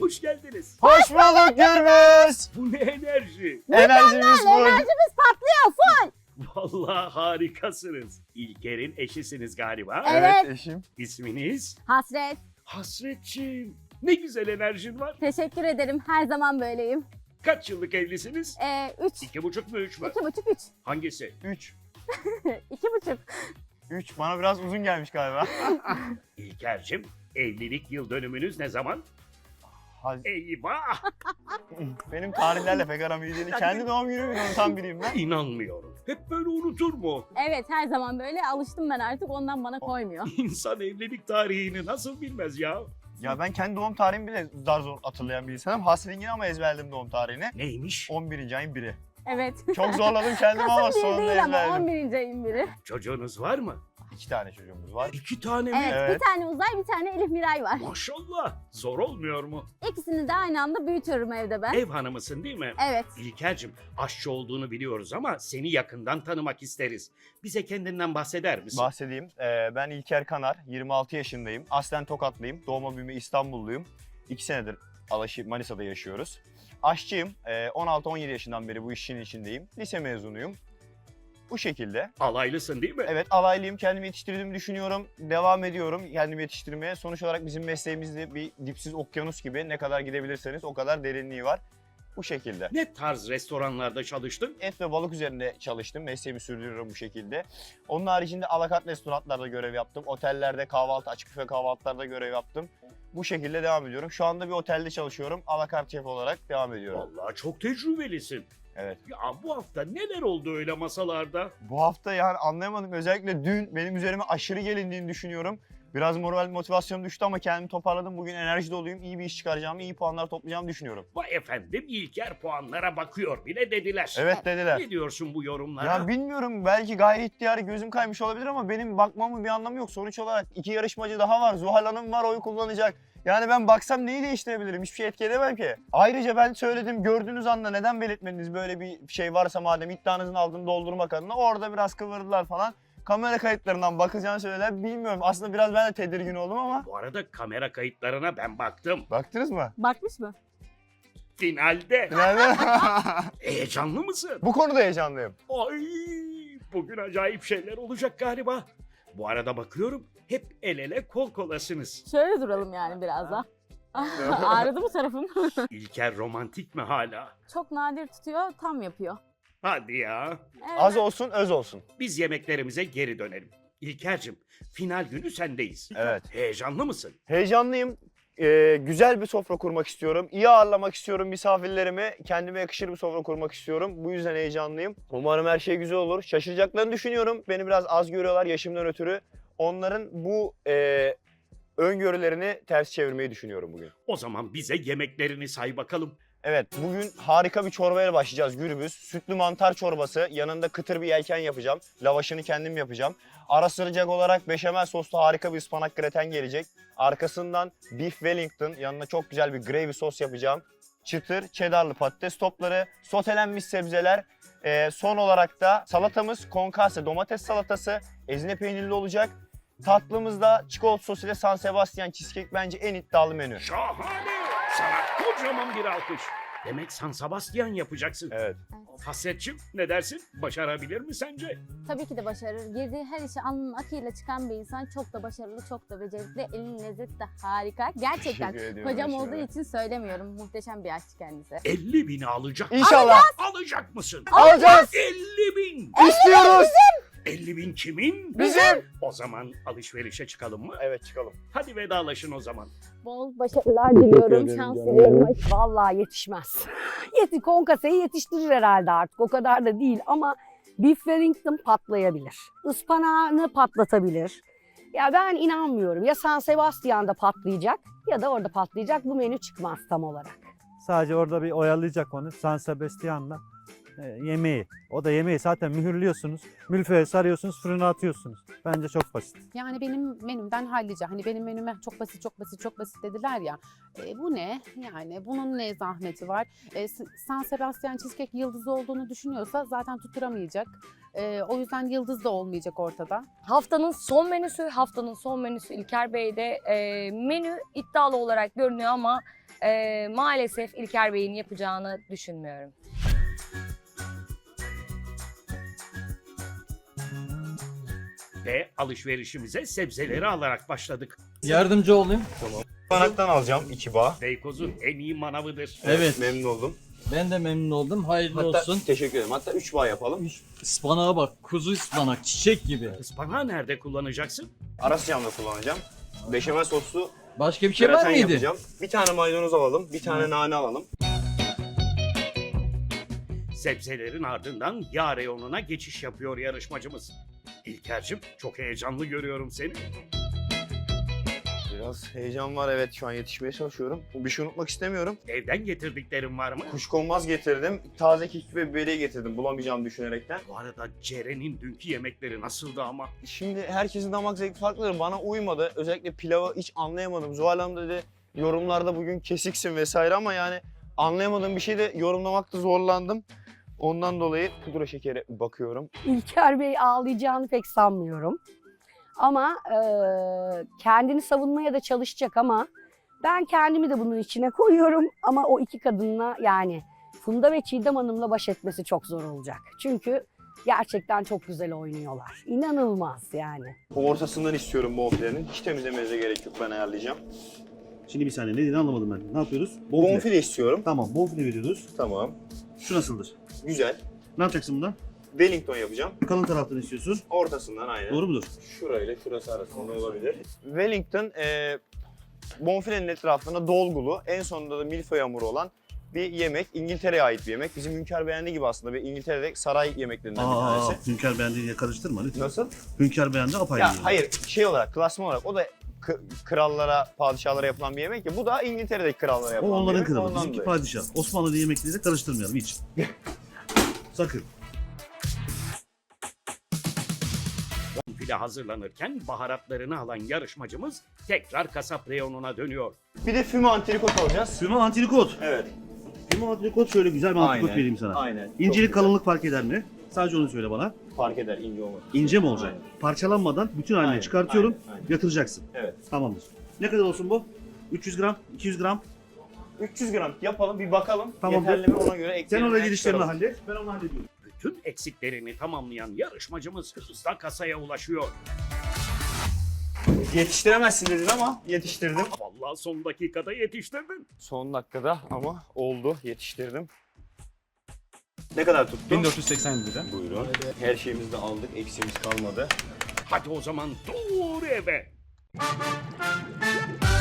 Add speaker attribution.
Speaker 1: hoş geldiniz.
Speaker 2: Hoş bulduk Gürbüz.
Speaker 1: Bu ne enerji?
Speaker 2: Enerjimiz bu.
Speaker 3: Enerjimiz patlıyor full.
Speaker 1: Vallahi harikasınız. İlker'in eşisiniz galiba.
Speaker 3: Evet.
Speaker 2: Eşim.
Speaker 1: İsminiz?
Speaker 3: Hasret.
Speaker 1: Hasretçiğim. Ne güzel enerjin var.
Speaker 3: Teşekkür ederim. Her zaman böyleyim.
Speaker 1: Kaç yıllık evlisiniz?
Speaker 3: 3.
Speaker 1: 2,5 mu 3 mü?
Speaker 3: 2,5 3.
Speaker 1: Hangisi?
Speaker 2: 3.
Speaker 3: 2,5.
Speaker 2: 3 bana biraz uzun gelmiş galiba.
Speaker 1: İlker'cim, evlilik yıl dönümünüz ne zaman? Eyvah!
Speaker 2: Benim tarihlerle pek aram iyi değil. Kendi doğum günümü unutan biriyim ben.
Speaker 1: İnanmıyorum. Hep böyle unutur mu?
Speaker 3: Evet, her zaman böyle. Alıştım ben artık. Ondan bana koymuyor.
Speaker 1: İnsan evlilik tarihini nasıl bilmez ya?
Speaker 2: Ya ben kendi doğum tarihimi bile zar zor hatırlayan bir insanım. Hasringin ama ezberledim doğum tarihini.
Speaker 1: Neymiş?
Speaker 2: 11. ayın 1'i.
Speaker 3: Evet.
Speaker 2: Çok zorladım kendimi ama
Speaker 3: Kasım 1
Speaker 2: sonunda
Speaker 3: değil ama
Speaker 2: ezberledim.
Speaker 3: 11. ayın biri.
Speaker 1: Çocuğunuz var mı?
Speaker 2: 2 tane çocuğumuz var.
Speaker 1: 2 tane mi?
Speaker 3: Evet,
Speaker 2: Evet.
Speaker 3: bir tane Uzay, bir tane Elif Miray var.
Speaker 1: Maşallah. Zor olmuyor mu?
Speaker 3: İkisini de aynı anda büyütüyorum evde ben.
Speaker 1: Ev hanımısın değil mi?
Speaker 3: Evet.
Speaker 1: İlker'cim, aşçı olduğunu biliyoruz ama seni yakından tanımak isteriz. Bize kendinden bahseder misin?
Speaker 2: Bahsedeyim. Ben İlker Kanar, 26 yaşındayım. Aslen Tokatlıyım. Doğma büyüme İstanbulluyum. 2 senedir Alaşı Manisa'da yaşıyoruz. Aşçıyım. 16-17 yaşından beri bu işin içindeyim. Lise mezunuyum. Bu şekilde.
Speaker 1: Alaylısın değil mi?
Speaker 2: Evet, alaylıyım. Kendimi yetiştirdiğimi düşünüyorum. Devam ediyorum kendimi yetiştirmeye. Sonuç olarak bizim mesleğimizde bir dipsiz okyanus gibi, ne kadar gidebilirseniz o kadar derinliği var. Bu şekilde.
Speaker 1: Ne tarz restoranlarda çalıştın?
Speaker 2: Et ve balık üzerinde çalıştım. Mesleğimi sürdürüyorum bu şekilde. Onun haricinde alakart restoranlarda görev yaptım. Otellerde kahvaltı, açık büfe kahvaltılarda görev yaptım. Bu şekilde devam ediyorum. Şu anda bir otelde çalışıyorum. Alakart şef olarak devam ediyorum.
Speaker 1: Vallahi çok tecrübelisin.
Speaker 2: Evet.
Speaker 1: Ya bu hafta neler oldu öyle masalarda?
Speaker 2: Bu hafta yani anlayamadım. Özellikle dün benim üzerime aşırı gelindiğini düşünüyorum. Biraz moral motivasyon düştü ama kendimi toparladım. Bugün enerji doluyum. İyi bir iş çıkaracağımı, iyi puanlar toplayacağımı düşünüyorum.
Speaker 1: Vay efendim, İlker puanlara bakıyor bile dediler.
Speaker 2: Evet dediler.
Speaker 1: Ne diyorsun bu yorumlara?
Speaker 2: Ya bilmiyorum, belki gayri ihtiyari gözüm kaymış olabilir ama benim bakmamın bir anlamı yok. Sonuç olarak 2 yarışmacı daha var. Zuhal Hanım var, oy kullanacak. Yani ben baksam neyi değiştirebilirim? Hiçbir şey etki edemem ki. Ayrıca ben söyledim, gördüğünüz anda neden belirtmediniz böyle bir şey varsa madem, iddianızın altını doldurmak adına. Orada biraz kıvırdılar falan. Kamera kayıtlarından bakacağını söylediler. Bilmiyorum, aslında biraz ben de tedirgin oldum ama.
Speaker 1: Bu arada kamera kayıtlarına ben baktım.
Speaker 2: Baktınız mı?
Speaker 3: Bakmış mı?
Speaker 1: Finalde.
Speaker 2: Nerede?
Speaker 1: Heyecanlı mısın?
Speaker 2: Bu konuda heyecanlıyım.
Speaker 1: Ay, bugün acayip şeyler olacak galiba. Bu arada bakıyorum, hep el ele kol kolasınız.
Speaker 3: Şöyle duralım yani biraz da. Ağrıdı mı tarafım?
Speaker 1: İlker romantik mi hala?
Speaker 3: Çok nadir tutuyor, tam yapıyor.
Speaker 1: Hadi ya.
Speaker 3: Evet.
Speaker 2: Az olsun, öz olsun.
Speaker 1: Biz yemeklerimize geri dönelim. İlker'cim, final günü sendeyiz.
Speaker 2: Evet.
Speaker 1: Heyecanlı mısın?
Speaker 2: Heyecanlıyım. Güzel bir sofra kurmak istiyorum. İyi ağırlamak istiyorum misafirlerimi. Kendime yakışır bir sofra kurmak istiyorum. Bu yüzden heyecanlıyım. Umarım her şey güzel olur. Şaşıracaklarını düşünüyorum. Beni biraz az görüyorlar yaşımdan ötürü. Onların bu öngörülerini ters çevirmeyi düşünüyorum bugün.
Speaker 1: O zaman bize yemeklerini say bakalım.
Speaker 2: Evet, bugün harika bir çorbaya başlayacağız Gürbüz. Sütlü mantar çorbası, yanında kıtır bir yelken yapacağım. Lavaşını kendim yapacağım. Ara sıcak olarak beşamel soslu harika bir ıspanak greten gelecek. Arkasından beef wellington, yanına çok güzel bir gravy sos yapacağım. Çıtır, cheddarlı patates topları, sotelenmiş sebzeler. Son olarak da salatamız concasse domates salatası, ezine peynirli olacak. Tatlımızda çikolata sos ile San Sebastian cheesecake bence en iddialı menü.
Speaker 1: Şahane! Sana kocaman bir alkış. Demek San Sebastian yapacaksın.
Speaker 2: Evet.
Speaker 1: Hasretçim, ne dersin? Başarabilir mi sence?
Speaker 3: Tabii ki de başarır. Girdiği her işi alnının akıyla çıkan bir insan, çok da başarılı, çok da becerikli. Elinin lezzeti de harika. Gerçekten
Speaker 2: Teşekkür ediyorum
Speaker 3: kocam
Speaker 2: Ayşe
Speaker 3: olduğu
Speaker 2: Hanım.
Speaker 3: için söylemiyorum. Muhteşem bir aşçı kendisi.
Speaker 1: 50 bini alacak.
Speaker 2: İnşallah.
Speaker 1: Alacak mısın?
Speaker 2: Alacağız.
Speaker 1: 50 bin.
Speaker 2: İstiyoruz.
Speaker 1: 50 bin kimin?
Speaker 2: Bizim.
Speaker 1: O zaman alışverişe çıkalım mı?
Speaker 2: Evet, çıkalım.
Speaker 1: Hadi vedalaşın o zaman.
Speaker 3: Bol başarılar diliyorum.
Speaker 2: ederim
Speaker 3: Şans
Speaker 2: canım.
Speaker 3: diliyorum.
Speaker 4: Vallahi yetişmez. Konkaseyi yetiştirir herhalde artık. O kadar da değil ama Beef Wellington patlayabilir. Ispanağını patlatabilir. Ya ben inanmıyorum. Ya San Sebastian'da patlayacak ya da orada patlayacak. Bu menü çıkmaz tam olarak.
Speaker 5: Sadece orada bir oyalayacak onu San Sebastian'la yemeği. O da yemeği zaten mühürlüyorsunuz. Mülfeye sarıyorsunuz, fırına atıyorsunuz. Bence çok basit.
Speaker 6: Yani benim menümden hallice. Hani benim menüme çok basit, çok basit, çok basit dediler ya. Bu ne? Yani bunun ne zahmeti var? San Sebastian cheesecake yıldızı olduğunu düşünüyorsa zaten tutturamayacak. O yüzden yıldız da olmayacak ortada.
Speaker 7: Haftanın son menüsü İlker Bey'de menü iddialı olarak görünüyor ama Maalesef İlker Bey'in yapacağını düşünmüyorum.
Speaker 1: Ve alışverişimize sebzeleri alarak başladık.
Speaker 8: Yardımcı olayım.
Speaker 2: Ispanaktan alacağım 2 bağ.
Speaker 1: Beykoz'un en iyi manavıdır.
Speaker 8: Evet.
Speaker 2: Memnun oldum.
Speaker 8: Ben de memnun oldum. Hayırlı
Speaker 2: Hatta
Speaker 8: olsun.
Speaker 2: teşekkür ederim. Hatta 3 bağ yapalım.
Speaker 8: Ispanağa bak. Kuzu ıspanak. Çiçek gibi.
Speaker 1: Ispanağı nerede kullanacaksın?
Speaker 2: Ara sıcağımda kullanacağım. Beşamel soslu
Speaker 8: Başka bir şey var
Speaker 2: graten
Speaker 8: mıydı?
Speaker 2: yapacağım. Bir tane maydanoz alalım, bir tane nane alalım.
Speaker 1: Sebzelerin ardından yağ reyonuna geçiş yapıyor yarışmacımız. İlker'cim çok heyecanlı görüyorum seni.
Speaker 2: Biraz heyecan var, evet, şu an yetişmeye çalışıyorum. Bir şey unutmak istemiyorum.
Speaker 1: Evden getirdiklerin var mı?
Speaker 2: Kuşkonmaz getirdim, taze kekik ve biberiye getirdim bulamayacağımı düşünerekten.
Speaker 1: Bu arada Ceren'in dünkü yemekleri nasıldı ama?
Speaker 2: Şimdi herkesin damak zevki farklıdır, bana uymadı. Özellikle pilavı hiç anlayamadım. Zuhal Hanım dedi yorumlarda bugün kesiksin vesaire ama yani anlayamadığım bir şey de yorumlamakta zorlandım. Ondan dolayı pudra şekeri bakıyorum.
Speaker 4: İlker Bey ağlayacağını pek sanmıyorum. Ama kendini savunmaya da çalışacak ama ben kendimi de bunun içine koyuyorum. Ama o iki kadınla yani Funda ve Çiğdem Hanım'la baş etmesi çok zor olacak. Çünkü gerçekten çok güzel oynuyorlar. İnanılmaz yani.
Speaker 2: Ortasından istiyorum bonfilenin. Hiç temizlemenize gerek yok, ben ayarlayacağım.
Speaker 9: Şimdi bir saniye ne dediğini anlamadım ben. Ne yapıyoruz? Bonfile.
Speaker 2: Bonfile istiyorum.
Speaker 9: Tamam bonfile veriyoruz.
Speaker 2: Tamam.
Speaker 9: Şu nasıldır?
Speaker 2: Güzel.
Speaker 9: Ne yapacaksın bundan?
Speaker 2: Wellington yapacağım.
Speaker 9: Kalın taraftan istiyorsun.
Speaker 2: Ortasından aynen.
Speaker 9: Doğru mudur?
Speaker 2: Şurayla şurası arasında olabilir. Wellington bonfilenin etrafına dolgulu, en sonunda da milföy hamuru olan bir yemek. İngiltere'ye ait bir yemek. Bizim Hünkar beğendi gibi aslında. İngiltere'de saray yemeklerinden bir tanesi.
Speaker 9: Hünkar beğendiğiyle karıştırma lütfen.
Speaker 2: Nasıl?
Speaker 9: Hünkar beğendi apayrı.
Speaker 2: Ya
Speaker 9: yani.
Speaker 2: hayır, şey olarak, klasman olarak o da krallara, padişahlara yapılan bir yemek ya. Bu da İngiltere'deki krallara
Speaker 9: O
Speaker 2: yapılan bir
Speaker 9: onların
Speaker 2: yemek.
Speaker 9: kralı.
Speaker 2: Ondan
Speaker 9: Bizimki
Speaker 2: dolayı.
Speaker 9: padişah. Osmanlı yemekleri de karıştırmayalım hiç. Sakın.
Speaker 1: Bonfile hazırlanırken baharatlarını alan yarışmacımız tekrar kasap reyonuna dönüyor.
Speaker 2: Bir de füme antrikot alacağız.
Speaker 9: Füme antrikot.
Speaker 2: Evet.
Speaker 9: Füme antrikot şöyle güzel bir antrikot
Speaker 2: Aynen,
Speaker 9: vereyim sana.
Speaker 2: aynen. Çok
Speaker 9: İncelik
Speaker 2: güzel.
Speaker 9: kalınlık fark eder mi? Sadece onu söyle bana.
Speaker 2: Fark eder, ince olmaz.
Speaker 9: İnce mi olacak?
Speaker 2: Aynen.
Speaker 9: Parçalanmadan bütün haline
Speaker 2: Aynen,
Speaker 9: çıkartıyorum.
Speaker 2: aynen, aynen.
Speaker 9: Yatıracaksın.
Speaker 2: Evet.
Speaker 9: Tamamdır. Ne kadar olsun bu? 300 gram, 200 gram.
Speaker 2: 300 gram yapalım, bir bakalım.
Speaker 9: Tamamdır.
Speaker 2: Yeterli mi, ona göre
Speaker 9: Sen
Speaker 2: ekleyelim.
Speaker 9: oraya gidişlerini hallet. Ben onu hallediyorum.
Speaker 1: Bütün eksiklerini tamamlayan yarışmacımız hızla kasaya ulaşıyor.
Speaker 2: Yetiştiremezsin dedin ama yetiştirdim.
Speaker 1: Vallahi son dakikada yetiştirdin.
Speaker 2: Son dakikada ama oldu, yetiştirdim. Ne kadar tuttu?
Speaker 8: 1480 lira.
Speaker 2: Buyurun. Her şeyimizi de aldık, eksiğimiz kalmadı.
Speaker 1: Hadi o zaman doğru eve.